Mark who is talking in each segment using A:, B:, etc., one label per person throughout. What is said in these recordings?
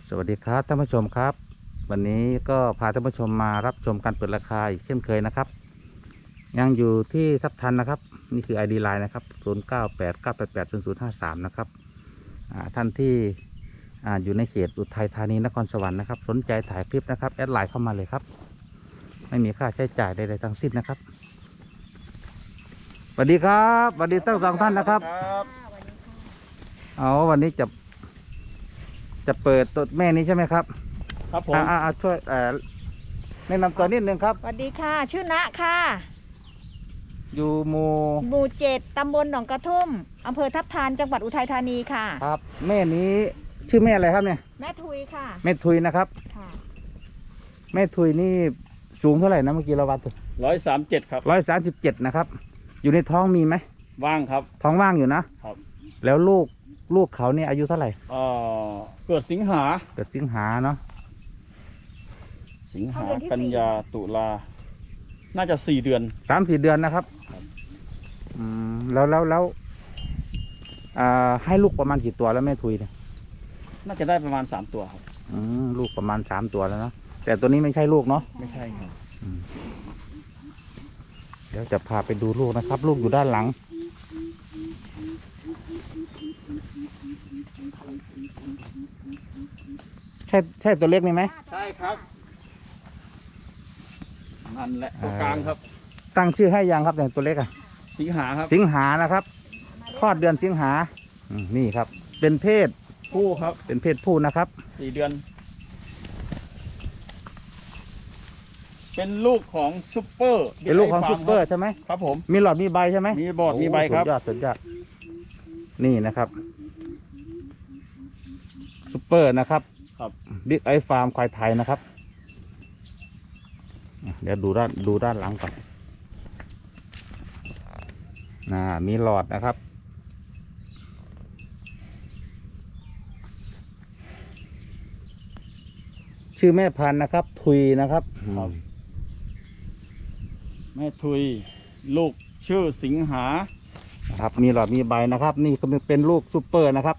A: สวัสดีครับท่านผู้ชมครับวันนี้ก็พาท่านผู้ชมมารับชมการเปิดราคาอีกเช่นเคยนะครับยังอยู่ที่ทับทันนะครับนี่คือ ID Line นะครับ0989880053นะครับท่านที่อยู่ในเขตอุทัยธานีนครสวรรค์นะครับสนใจถ่ายคลิปนะครับแอดไลน์เข้ามาเลยครับไม่มีค่าใช้จ่ายใดๆทั้งสิ้นนะครับสวัสดีครับสวัสดีทั้งสองท่านนะครับวันนี้จะเปิดตัวแม่นี้ใช่ไหมครับ
B: ครับผม
A: ช่วยแนะนำตัวนิดนึงครับ
C: สวัสดีค่ะชื่อณค่ะ
A: อยู่ห
C: มู่7ตำบลหนองกระทุ่มอำเภอทับทันจังหวัดอุทัยธานีค่ะ
A: ครับแม่นี้ชื่อแม่อะไรครับเนี่ย
C: แม่ทุยค่ะ
A: แม่ทุยนะครับ
C: ค่ะ
A: แม่ทุยนี่สูงเท่าไหร่นะเมื่อกี้เราวัด
B: 137ครับ
A: 137นะครับอยู่ในท้องมีไหม
B: ว่างครับ
A: ท้องว่างอยู่นะครับแล้วลูกเขาเนี่ยอายุเท่าไหร่
B: เกิดสิงหา
A: เนาะ
B: สิงหากันยาตุลาน่าจะ4 เดือน
A: 3-4 เดือนนะครับแล้วให้ลูกประมาณกี่ตัวแล้วแม่ทุยเนี่ย
B: น่าจะได้ประมาณ3 ตัวครับ
A: ลูกประมาณ3 ตัวแล้วเนาะแต่ตัวนี้ไม่ใช่ลูกเนาะ
B: ไม่ใช่ครับ
A: เดี๋ยวจะพาไปดูลูกนะครับลูกอยู่ด้านหลังใช่ตัวเล็กนี่ไหม
B: ใช่ครับนั่นแหละตัวกลางครับ
A: ตั้งชื่อให้ยังครับอย่างตัวเล็ก
B: สิงหาครับ
A: สิงหานะครับคลอดเดือนสิงหานี่ครับเป็นเพศ
B: ผู้ครับ
A: เป็นเพศผู้นะครับ
B: 4 เดือนเป็นลูกของซุปเปอร์
A: เป็นลูกของซุปเปอร์ใช่ไหม
B: ครับผม
A: มีหลอดมีใบใช่ไหม
B: มีบอดมีใบครับ
A: สุดยอดนี่นะครับซุปเปอร์นะครับบิ๊กไอฟาร์มควายไทยนะครับเดี๋ยวดูด้านหลังก่อนมีหลอดนะครับชื่อแม่พันธุ์นะครับทุยนะครับ
B: แม่ทุยลูกชื่อสิงหา
A: ครับมีหลอดมีใบนะครับนี่ก็เป็นลูกซุปเปอร์นะครับ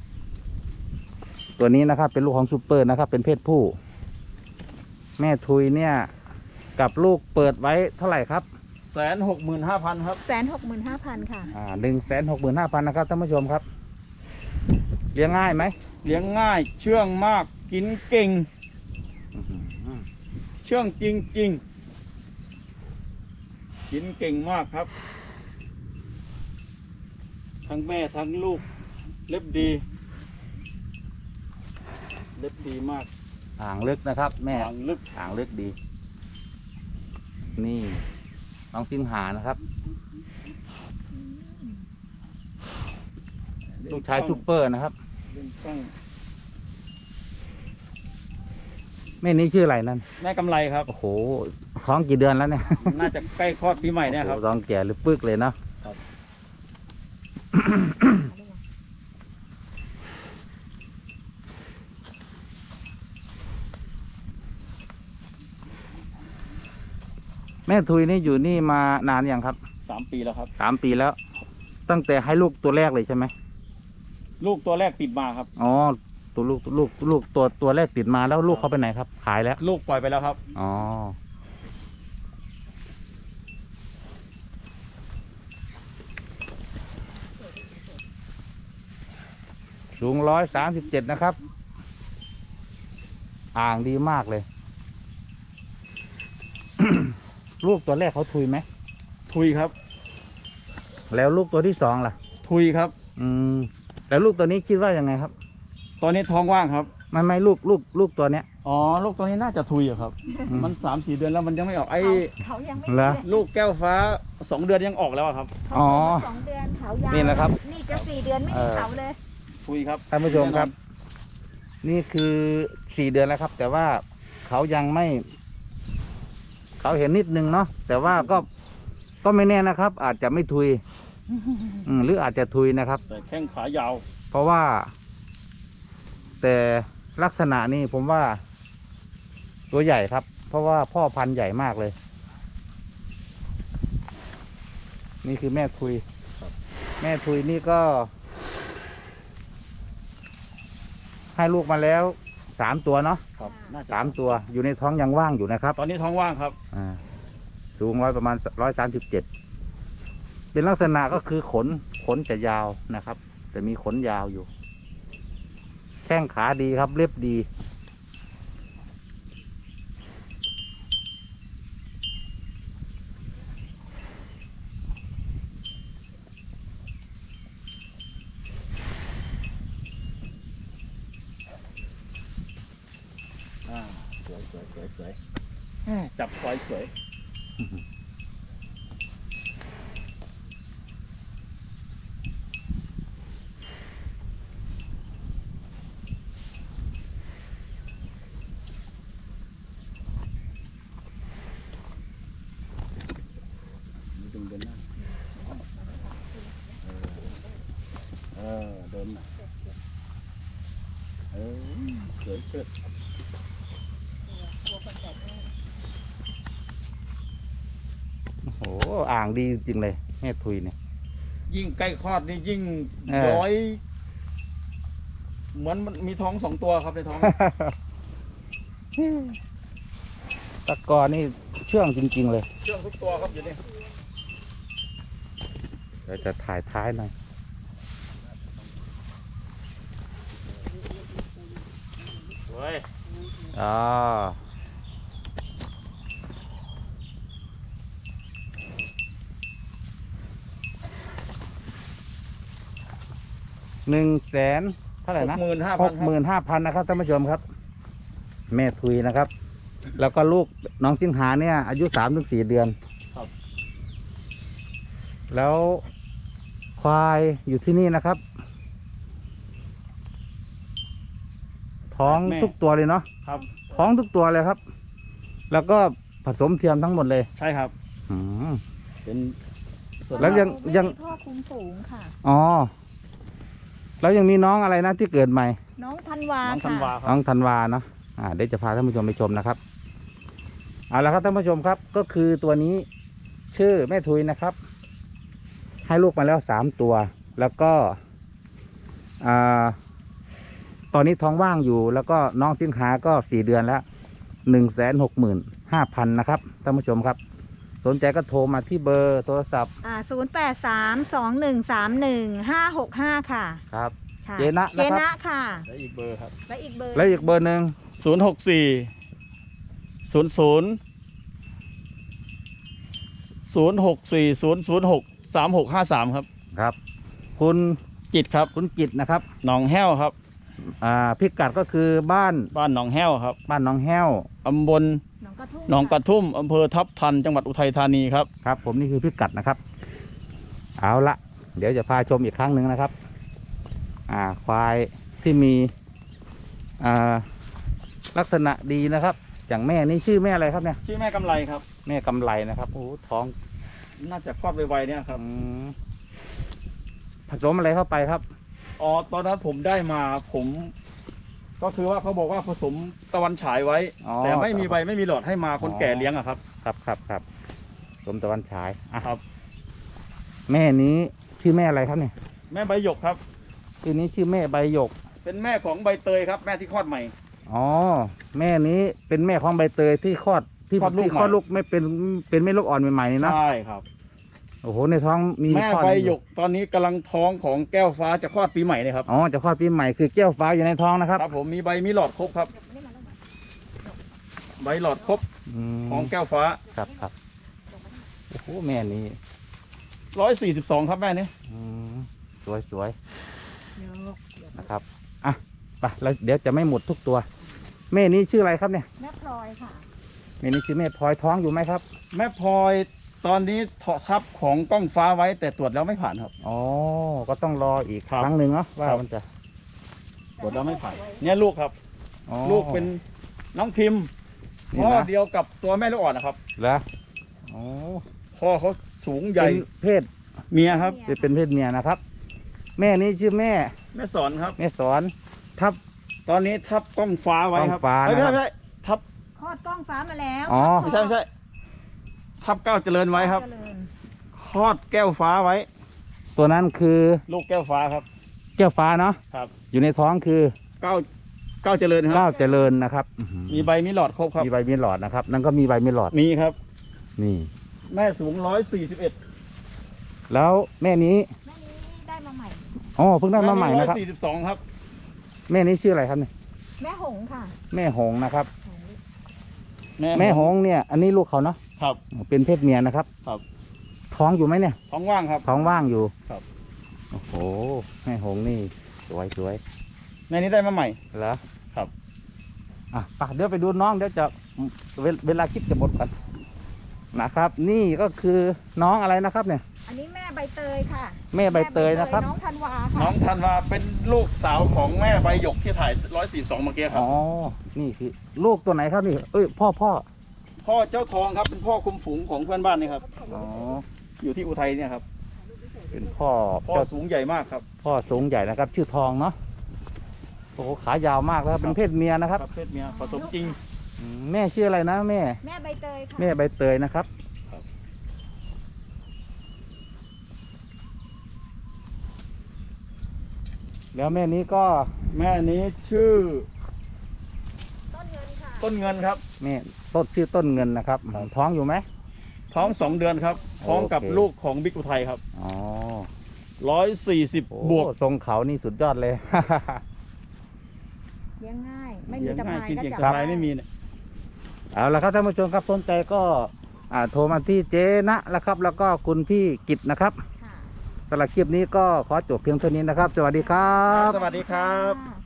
A: ตัวนี้นะครับเป็นลูกของซุปเปอร์นะครับเป็นเพศผู้แม่ทุยเนี่ยกับลูกเปิดไว้เท่าไหร่ครับ
B: 165,000ครับ
C: 165,000ค่ะ
A: 165,000นะครับท่านผู้ชมครับเลี้ยงง่ายไหม
B: เลี้ยงง่ายเชื่องมากกินเก่งเชื่องจริงกินเก่งมากครับทั้งแม่ทั้งลูกเล็บดีมาก
A: หางลึกนะครับแม่
B: หาง
A: ลึกดีนี่น้องสิงหานะครับลูกชายซุปเปอร์นะครับแม่นี้ชื่ออะไรนั่น
B: แม่กำไรครับ
A: โอ้โหท้องกี่เดือนแล้วเนี่ย
B: น่าจะใกล้คลอดปีใหม่เนี่ยครับ
A: ท้องแก่หรือปึกเลยเนาะแม่ทุยนี่อยู่นี่มานานยังครับ
B: 3 ปีแล้วครับ
A: 3 ปีแล้วตั้งแต่ให้ลูกตัวแรกเลยใช่ไหม
B: ลูกตัวแรกติดมาครับ
A: ตัวลูกตัวแรกติดมาแล้วลูกเขาไปไหนครับขายแล้ว
B: ลูกปล่อยไปแล้วครับ
A: สูง137นะครับอ่างดีมากเลย ลูกตัวแรกเขาทุยไหม
B: ทุยครับ
A: แล้วลูกตัวที่2ล่ะ
B: ทุยครับ
A: แล้วลูกตัวนี้คิดว่ายังไงครับ
B: ตอนนี้ท้องว่างครับ
A: ไม่ลูกตัวเนี้ย
B: ลูกตัวนี้น่าจะทุยครับมัน 3-4 เดือนแล้วมันยังไม่ออก
C: เขายังไม่
B: ลูกแก้วฟ้า2 เดือนยังออกแล้วครับ
C: 2 เดือนเขายาว
A: นี่นะครับ
C: นี่จะ4 เดือนไม่มีเขาเลย
B: ทุยครับ
A: ท่านผู้ชมครับนี่คือ4 เดือนแล้วครับแต่ว่าเขายังไม่เขาเห็นนิดนึงเนาะแต่ว่าก็ไม่แน่นะครับอาจจะไม่ทุยหรืออาจจะทุยนะครับ
B: แต่แข้งขายาว
A: เพราะว่าแต่ลักษณะนี้ผมว่าตัวใหญ่ครับเพราะว่าพ่อพันธุ์ใหญ่มากเลยนี่คือแม่ทุยแม่ทุยนี่ก็ให้ลูกมาแล้ว 3 ตัวเนาะ
B: ครับน่าจะ
A: 3 ตัวอยู่ในท้องยังว่างอยู่นะครับ
B: ตอนนี้ท้องว่างครับ
A: สูงประมาณ137เป็นลักษณะก็คือขนจะยาวนะครับ แต่มีขนยาวอยู่ แข้งขาดีครับเรียบดี
B: สวยสวยสวยสวยจับควายสวย ดึงเดินหน้าเดินนะสวยเชิด
A: โอ้โหอ่างดีจริงเลยแม่ทุยเนี่ย
B: ยิ่งใกล้คลอดนี่ยิ่ง
A: เออ
B: ร้อย เหมือนมันมีท้อง2 ตัวครับในท้อง
A: ตะกอนี่เชื่องจริง ๆ เลย
B: เชื่องทุกตัวครับอยู่นี่
A: เดี๋ยวจะถ่ายท้ายหน่อย
B: สวย
A: อ๋อ100,000เท่าไหร่นะ
B: 65,000
A: นะครับท่านผู้ชมครับ แม่ทุยนะครับ แล้วก็ลูกน้องสิงหาเนี่ยอายุ3-4 เดือน
B: ครับ
A: แล้วควายอยู่ที่นี่นะครับ ท้องทุกตัวเลยเนาะ
B: ครับ
A: ท้องทุกตัวเลยครับ แล้วก็ผสมเทียมทั้งหมดเลย
B: ใช่ครับ
A: อืม
B: เป็นส่วน
A: แล้วยัง
C: ไม่มีพ่อคุ้มฝูงค่ะ
A: อ๋อ แล้วยังมีน้องอะไรนะที่เกิดใหม่
C: น้องธันวา
B: น้องธันวา
C: ค่ะ
B: ค
A: น้
B: รั
A: อบ งธันวาเนาะเดี๋ยวจะพาท่านผู้ชมไปชมนะครับ เอาละครับท่านผู้ชมครับ ก็คือตัวนี้ชื่อแม่ทุยนะครับ ให้ลูกมาแล้ว3 ตัว แล้วก็อ่าตอนนี้ท้องว่างอยู่ แล้วก็น้องสินค้าก็4 เดือนแล้ว165,000นะครับท่านผู้ชมครับ สนใจก็โทรมาที่เบอร์โทรศัพท์
C: 083-2131-565 ค่ะ
A: ครับ
C: ค่ะ
A: เจนะ
C: เจ
A: นะครับ
C: นะค่ะ
B: และอีกเบอร์ครับ
C: และอีกเบอร์
A: แล้วอีกเบอร์หนึ่ง
B: 064-006-353 ครับ
A: ครับ คุณ
B: จิตครับ
A: คุณกิตนะครับ
B: หนองแห้วครับ
A: พิกัดก็คือบ้าน
B: บ้านหนองแห้วครับ
A: บ้านหน้องแห้ว
B: ตำบล
C: หนองกระทุ่ม
B: หนองกระทุ่มอำเภอทับทันจังหวัดอุทัยธานีครับ
A: ครับ ผมนี่คือพิกัดนะครับ เอาละเดี๋ยวจะพาชมอีกครั้งหนึ่งนะครับ ควายที่มีลักษณะดีนะครับ อย่างแม่นี่ชื่อแม่อะไรครับเนี่ย
B: ชื่อแม่กำไรครับ
A: แม่กำไรนะครับโอ้โหท้อง
B: น่าจะคลอดไวๆเนี่ยครับ
A: ผสมอะไรเข้าไปครับ
B: อ๋อ ตอนนั้นผมได้มาผม ก็คือว่าเขาบอกว่าผสมตะวันฉายไว้
A: อ๋อ
B: แต่ไม่มีใบไม่มีหลอดให้มาคนแก่เลี้ยงอะครับ
A: ครับสมตะวันฉายอ่ะ
B: ครับ
A: แม่นี้ชื่อแม่อะไรครับเนี่ย
B: แม่ใบหยกครับ
A: ชื่อนี้ชื่อแม่ใบหยก
B: เป็นแม่ของใบเตยครับ แม่ที่คลอดใหม่
A: อ๋อแม่นี้เป็นแม่ของใบเตยที่คลอดที่
B: คลอดลูก
A: ที่คลอด
B: ใหม่
A: ลูกไม่เป็นแม่ลูกอ่อนใหม่ๆนี่นะ
B: ใช่ครับ
A: โอ้โหในท้องมี
B: แม่
A: คลอด
B: ใบหยกตอนนี้กำลังท้องของแก้วฟ้าจะคลอดปีใหม่เลยครับ
A: อ๋อจะคลอดปีใหม่คือแก้วฟ้าอยู่ในท้องนะครับ
B: ครับผมมีใบมีหลอดครบครับ ใบหลอดครบ
A: ม
B: ของแก้วฟ้า
A: ครับโอ้โหแม่นี้
B: 142ครับแม่นี่
A: อืมสวยนะครับอ่ะไปแล้วเดี๋ยวจะไม่หมดทุกตัว แม่นี้ชื่ออะไรครับเนี่ย
C: แม่พลอยค่ะ
A: แม่นี้ชื่อแม่พลอยท้องอยู่ไหมครับ
B: แม่พลอยตอนนี้เถาะครับของกล้องฟ้าไว้แต่ตรวจแล้วไม่ผ่านครับ
A: อ๋อก็ต้องรออีก
B: ครับ
A: ครั้งหนึ่งเนาะว่า
B: ครับ
A: มันจะ
B: ตรวจแล้วไม่ผ่าน เนี่ยลูกครับ
A: อ๋อ
B: ลูกเป็นน้องพิมพ์
A: นี่
B: พ่อ
A: นะ
B: เดียวกับตัวแม่ลูกอ่อนนะครับ
A: เหรออ๋อ
B: พ่อเขาสูงใหญ่
A: เป็นเพศ
B: เมียครับ
A: เป็นเพศเมียนะครับ แม่นี้ชื่อแม่
B: แม่สอนครับ
A: แม่สอนทับ
B: ตอนนี้ทับกล้องฟ้าไว้ครับ
A: กล้องฟ้า
B: เอ้ย
A: นะครับ
B: ไม่ใช่ทับ
C: คลอดกล้องฟ้ามาแล้ว
A: อ๋อ
B: ไม่ใช่ทับเก้าเจริญไว้ครับ
C: เจริญ
B: คลอดแก้วฟ้าไว้
A: ตัวนั้นคือ
B: ลูกแก้วฟ้าครับ
A: แก้วฟ้าเนาะ
B: ครับ
A: อยู่ในท้องคือ
B: เก้าก้าวเจริญค
A: ก้า
B: รับ
A: วเจริญนะครับอื้อหือ
B: มีใบมีหลอดครบครับ
A: มีใบมีหลอดนะครับ นั่นก็มีใบมีหลอด
B: มีครับ
A: นี่
B: แม่สูง141
A: แล้วแม่นี้
C: แม่นี้ได้มาใหม่
A: อ๋อเพิ่งได้มาใหม่นะครับ
B: 142ครับ
A: แม่นี้ชื่ออะไรครับเนี่ย
C: แม่หงส์ค่ะ
A: แม่หงส์นะครับ
C: หงส์
A: แม่หงส์เนี่ย อันนี้ลูกเขาเนาะ
B: ครับ
A: เป็นเพศเมียนะครับ
B: ครับ
A: ท้องอยู่ไหมเนี่ย
B: ท้องว่างครับ
A: ท้องว่างอยู่
B: ครับ
A: โอ้โหแม่หงส์นี่สวยสวย
B: แม่นี้ได้มาใหม่
A: เหรอ
B: ครับ
A: อ่ะไปเดี๋ยวไปดูน้องเดี๋ยวจะเวลาคลิปจะหมดก่อนนะครับ นี่ก็คือน้องอะไรนะครับเนี่ย
C: อันนี้แม่ใบเตยค่ะ
A: แม่ใบเตยนะครับ
C: น้องธันวา
B: น้
C: ค่ะ
B: องธันวาเป็นลูกสาวของแม่ใบหยกที่ถ่าย142เมื่อกี้ครั
A: อ๋
B: บ
A: อ นี่คือลูกตัวไหนครับนี่ เอ้ยพ่อ
B: พ่อเจ้าทองครับเป็นพ่อคุมฝูงของเพื่อนบ้านนี่ครับ
A: อ๋อ
B: อยู่ที่อุทัยเนี่ยครับ
A: เป็นพ่อ
B: พ่อสูงใหญ่มากครับ
A: พ่อสูงใหญ่นะครับ ชื่อทองเนาะ โอ้โหขายาวมากแล้วเป็นเพศเมียนะครับ
B: เพศเมียผสมจริง
A: แม่ชื่ออะไรนะแม่
C: แม่ใบเตยค่ะ
A: แม่ใบเตยนะครับ
B: ครับ
A: แล้วแม่นี้ก็
B: แม่นี้ชื่อ
C: ต้นเงินค่ะ
B: ต้นเงินครับ
A: แม่ต้นชื่อต้นเงินนะครับ
B: ครับ
A: ท้องอยู่ไหม
B: ท้อง2 เดือนครับท้องกับ
A: โอเค
B: ลูกของบิ๊กอุทัยครับ
A: อ๋อ
B: 140
A: โอ้
B: บวก
A: ทรงเขานี่สุดยอดเลย
C: เลี้ยงง่าย ไม่มี
B: เลี้ยง
C: ตะ
B: ง่าย
C: ไคร้
B: กิน
C: ก็
B: เก่ง
C: จับ
B: กำไร
C: ได้
B: ไม่มีเนี่ย
A: เอาละครับท่านผู้ชมครับสนใจก็โทรมาที่เจ๊ณแล้วครับ แล้วก็คุณพี่กิตนะครับ
C: ค่ะ
A: สำหรับคลิปนี้ก็ขอจบเพียงเท่านี้นะครับ สวัสดีครับ
B: สวัสดีครับ
C: ค่ะ